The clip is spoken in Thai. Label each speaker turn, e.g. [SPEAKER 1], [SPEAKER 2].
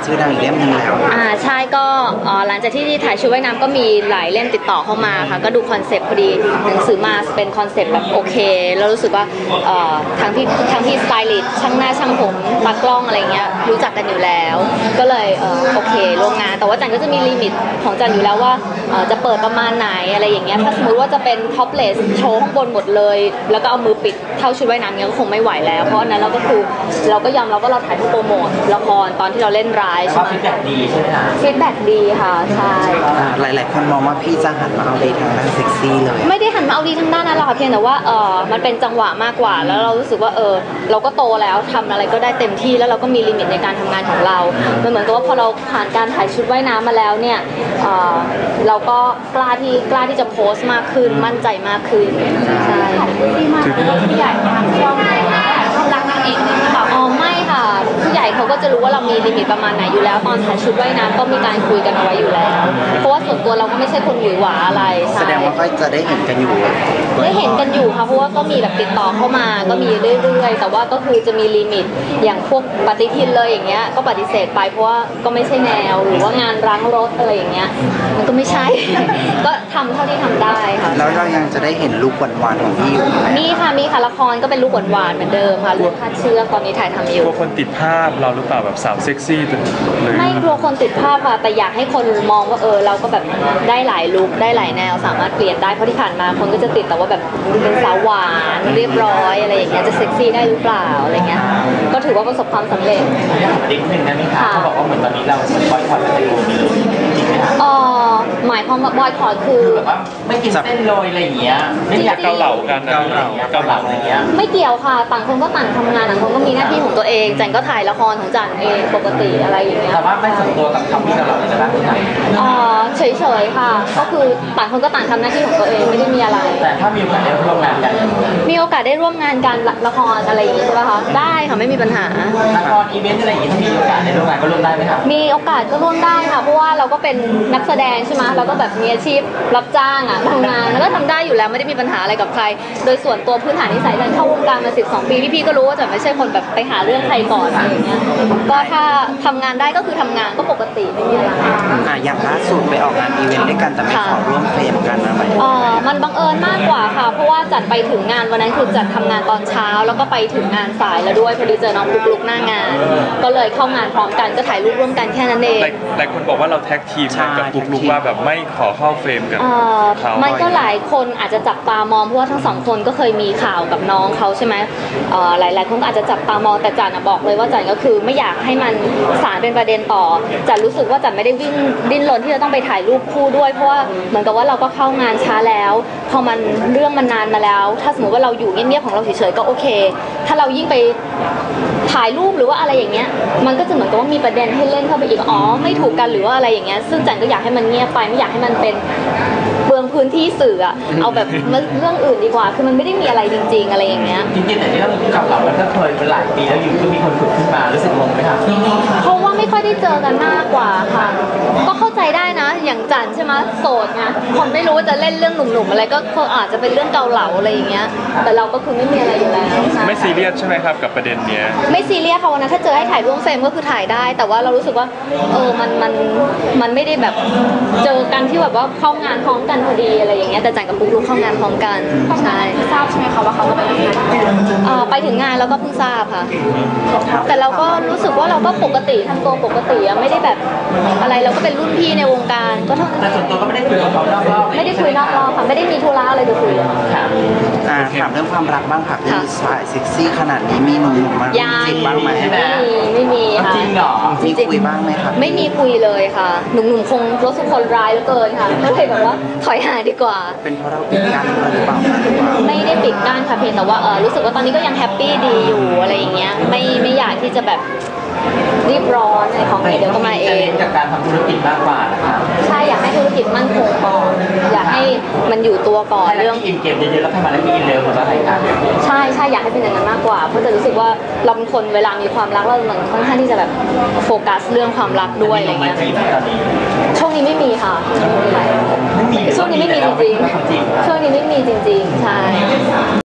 [SPEAKER 1] ชื่อดังอีกเล่มหนึ่งแล้ว
[SPEAKER 2] ใช่ก็หลังจากที่ถ่ายชุดว่ายน้ำก็มีหลายเล่มติดต่อเข้ามาค่ะก็ดูคอนเซปต์พอดีหนังสือมาเป็นคอนเซปต์แบบโอเคแล้วรู้สึกว่าทั้งที่สไตลิสต์ช่างหน้าช่างผมตากล้องอะไรเงี้ยรู้จักกันอยู่แล้วก็เลยโอเคร่วมงานแต่ว่าจันก็จะมีลิมิตของจันอยู่แล้วว่าจะเปิดประมาณไหนอะไรอย่างเงี้ยถ้าสมมติว่าจะเป็นท็อปเลสโชว์ข้างบนหมดเลยแล้วก็เอามือปิดเท่าชุดว่ายน้ำเงี้ยก็คงไม่ไหวแล้วเพราะนั้นเราก็คือเราก็ยอมรับว่าเราถ่ายเพื่อโปรโมทละครตอนที่เราเล่นร้ายใช่ไหมฟีดแบ็กดีใช่ไหมคะฟีดแบ็กดีค่ะใช่
[SPEAKER 1] หลายๆคนมองว่าพี่จะหันมาเอาดีทางด้านเซ็กซี่เลย
[SPEAKER 2] ไม่ได้หันมาเอาดีทางด้านนั้นหรอกค่ะเพียงแต่ว่ามันเป็นจังหวะมากกว่าแล้วเรารู้สึกว่าเราก็โตแล้วทำอะไรก็ได้เต็มที่แล้วเราก็มีลิมิตในการทำงานของเรามันเหมือนกับว่าพอเราผ่านการถ่ายชุดว่ายน้ำมาแล้วเนี่ยเราก็กล้าที่จะโพสต์มากขึ้นมั่นใจมากขึ้นใช่ที่มากผู้ใหญ่ทางช่องรักนางเอกเลยหรือเปล่าไม่ค่ะผู้ใหญ่เขาก็จะรู้ว่าเรามีลิมิตประมาณไหนอยู่แล้วตอนถ่ายชุดว่ายน้ำก็มีการคุยกันเอาไว้อยู่แล้วเพราะว่าส่วนตัวเราก็ไม่ใช่คนหวือหวาอะไร
[SPEAKER 1] แสดงว่าก็จะได้เห็นกันอยู่
[SPEAKER 2] ได้เห็นกันอยู่ค่ะเพราะว่าก็มีแบบติดต่อเข้ามาก็มีเรื่อยๆแต่ว่าก็คือจะมีลิมิตอย่างพวกปฏิทินเลยอย่างเงี้ยก็ปฏิเสธไปเพราะว่าก็ไม่ใช่แนวหรือว่างานล้างรถอะไรอย่างเงี้ยมันก็ไม่ใช่ ก็ทำเท่าที่ทำได้ค่ะ
[SPEAKER 1] แล้วเรายังจะได้เห็นลุคหวานๆของพี่อยู่ไหม
[SPEAKER 2] มีค่ะละครก็เป็นลุคหวานๆเหมือนเดิมค่ะลุคคาดเชือกตอนนี้ถ่ายทำอยู่
[SPEAKER 3] กลัวคนติดภาพเราหรือเปล่าแบบสาวเซ็กซี่เลย
[SPEAKER 2] ไม่กลัวคนติดภาพค่ะแต่อยากให้คนมองว่าเราก็แบบได้หลายลุคได้หลายแนวสามารถเปลี่ยนได้เพราะที่ผ่านมาคนก็จะติดแต่ว่าแบบเป็นสาวหวานเรียบร้อยอะไรอย่างเงี้ยจะเซ็กซี่ได้หรือเปล่าอะไรเงี้ยก็ถือว่าประสบความสำเร็จ
[SPEAKER 4] ดิ้งหนึ่งนะมิคะเขาบอกว่าเหมือนตอนนี้เราบอยคอตอะไรอยู่จริงไหมคะ
[SPEAKER 2] หมายความว่าบอยคอตคือ
[SPEAKER 4] แบบว่าไม่กินเส้นโรยอะไรอย่างเงี้ยไม่อยาก
[SPEAKER 3] เกาเหลากัน
[SPEAKER 4] เกาเหลาอะไรเงี้ย
[SPEAKER 2] ไม่เกี่ยวค่ะต่างคนก็ต่างทำงานต่างคนก็มีหน้าที่ของตัวเองจันก็ถ่ายละครของจันเองปกติอะไรอย่างเงี้ย
[SPEAKER 4] แต่ว่าไม่ส่วนตัวกับคำที่เกาเหลาเลยนะ
[SPEAKER 2] เฉยๆค่ะก็คือต่างคนก็ต่างทำหน้าที่ของตัวเองไม่ได้มีอะไร
[SPEAKER 4] แต่ถ้ามีโอกาสได้ร่วมงานกัน
[SPEAKER 2] มีโอกาสได้ร่วมงานกันละครอะไรอย่างงี้ใช่ไหมคะได้ค่ะไม่มีปัญหา
[SPEAKER 4] ละครอีเวนต์อะไรอย่างงี้ถ้ามีโอกาสได้ร่วมงานก็ร่วมได้ไหมคะ
[SPEAKER 2] มีโอกาสก็ร่วมได้ค่ะเพราะว่าเราก็เป็นนักแสดงใช่ไหมเราก็แบบมีอาชีพรับจ้างทำงานแล้วก็ทำได้อยู่แล้วไม่ได้มีปัญหาอะไรกับใครโดยส่วนตัวพื้นฐานนิสัยจันเข้าวงการมา12 ปีพี่ๆก็รู้ว่าจันไม่ใช่คนแบบไปหาเรื่องใครก่อนอะไรอย่างเงี้ยก็ถ้าทำงานได้ก็คือทำงานก็ปกติไม่มีอะไร
[SPEAKER 1] อย่างล่าสุดไปออกงานอีเวนต์ด้วยกันแต่ไม่ขอร่วมเฟรมกันอะไร
[SPEAKER 2] มันบังเอิญมากกว่าค่ะเพราะว่าจัดไปถึงงานวันนั้นคือจัดทำงานตอนเช้าแล้วก็ไปถึงงานสายแล้วด้วยพอดีเจอน้องลุกหน้างานก็เลยเข้างานพร้อมกันก็ถ่ายรูปร่วมกันแค่นั้นเอง
[SPEAKER 3] หลายคนบอกว่าเราแท็กทีมกับลุกว่าแบบไม่ขอเข้าเฟรมกัน
[SPEAKER 2] มันก็หลายคนอาจจะจับตามองเพราะว่าทั้งสองคนก็เคยมีข่าวกับน้องเขาใช่ไหมหลายคนก็อาจจะจับตามองแต่จันบอกเลยว่าจันก็คือไม่อยากให้มันสารเป็นประเด็นต่อจันรู้สึกว่าจันไม่ได้ดิ้นรนที่จะต้องไปถ่ายรูปคู่ด้วยเพราะว่าเหมือนกับว่าเราก็เข้างานช้าแล้วพอมันเรื่องมันนานมาแล้วถ้าสมมติว่าเราอยู่เงียบๆของเราเฉยๆก็โอเคถ้าเรายิ่งไปถ่ายรูปหรือว่าอะไรอย่างเงี้ยมันก็จะเหมือนกับว่ามีประเด็นให้เล่นเข้าไปอีกไม่ถูกกันหรือว่าอะไรอย่างเงี้ยซึ่งจันก็อยากให้มันเงียบไปไม่อยากให้มันเป็นเปลืองพื้นที่สื่อเอาแบบเรื่องอื่นดีกว่าคือมันไม่ได้มีอะไรจริงๆอะไรอย่างเงี้ย
[SPEAKER 4] จริงๆแต่ที่เราเก่าเรามันก็เคยเป็นหลายปีแล้วอยู่ก็มีคนฝึกขึ้นมารู้สึกงงไหมคะ
[SPEAKER 2] เพราะว่าไม่ค่อยได้เจอกันมากกว่าค่ะก็เข้าใจได้นะอย่างจันใช่ไหมโสดไงคนไม่รู้ว่าจะเล่นเรื่องหนุ่มๆอะไรก็อาจจะเป็นเรื่องเกาเหลาอะไรอย่างเงี้ยแต่เราก็คือไม่มีอะไรอยู่แล้ว
[SPEAKER 3] ไม่ซีเรียสใช่ไหมครับกับประเด็นเนี้ย
[SPEAKER 2] ไม่ซีเรียสค่ะวันนั้นถ้าเจอให้ถ่ายร่วมเฟรมก็คือถ่ายได้แต่ว่าเรารู้สึกว่ามันไม่ได้แบบเจอกันที่แบบว่าเข้างานพร้อมกันพอดีอะไรอย่างเงี้ยแต่จันกับปุ๊กลุกเข้างานพร้อมกันใช่
[SPEAKER 5] ทราบใช่ไหมคะว่าเขาก็ไปทำงาน
[SPEAKER 2] ไปถึงงานแล้วก็เพิ่งทราบค่ะแต่เราก็รู้สึกว่าเราก็ปกติทำตัวปกติไม่ได้แบบอะไรเราก็เป็นรุ่นพี่ในวงการก็เท่านั้น
[SPEAKER 4] แต่ส่วนตัวก็ไม่ได้คุยกับเขานอกรอบ
[SPEAKER 2] ไม่ได้คุยนอกรอบค่ะไม่ได้มีธุระอะไรจะคุย
[SPEAKER 1] ถามเรื่องความรักบ้างค่ะคือสายเซ็กซี่ขนาดนี้มีหนุ่มๆมาจีบบ้างไหม
[SPEAKER 2] ไม่มีค่ะ
[SPEAKER 4] จริงเหรอ
[SPEAKER 1] มีคุยบ้างไหมคะ
[SPEAKER 2] ไม่มีคุยเลยค่ะหนุ่มๆคงรู้สึกคนร้ายเหลือเกินค่ะก็เลยแบบว่าถอยห่างดีกว่า
[SPEAKER 1] เป็นเพราะเราปิดกั้นหรือเปล่า
[SPEAKER 2] ไม่ได้ปิดกั้นค่ะเพียงแต่ว่ารู้สึกว่าตอนนี้ก็ยังแฮปปี้ดีอยู่อะไรอย่างเงี้ยไม่อยากที่จะแบบรีบร้อนอะไรของเดี๋ยวก็มาเอง
[SPEAKER 4] จากการทำธุรกิจมากกว่านะคะ
[SPEAKER 2] ใช่อยากให้ธุรกิจมั่นคงก่อนอยากให้มันอยู่ตัวก่อน
[SPEAKER 4] เรื่องกินเกมเยอะๆแล้วทำมาแล้วกินเร็วหมดแล้วอะไรกัน
[SPEAKER 2] ใช่อยากให้เป็นอย่างนั้นมากกว่าเพราะจะรู้สึกว่าเราเป็นคนเวลามีความรักเราเหมือนค่อนข้างที่จะแบบโฟกัสเรื่องความรักด้วยอะไรเงี้ยช่วงนี้ไม่มีค่ะช่วงนี้ไม่มีจริงๆช่วงนี้ไม่มีจริงๆใช่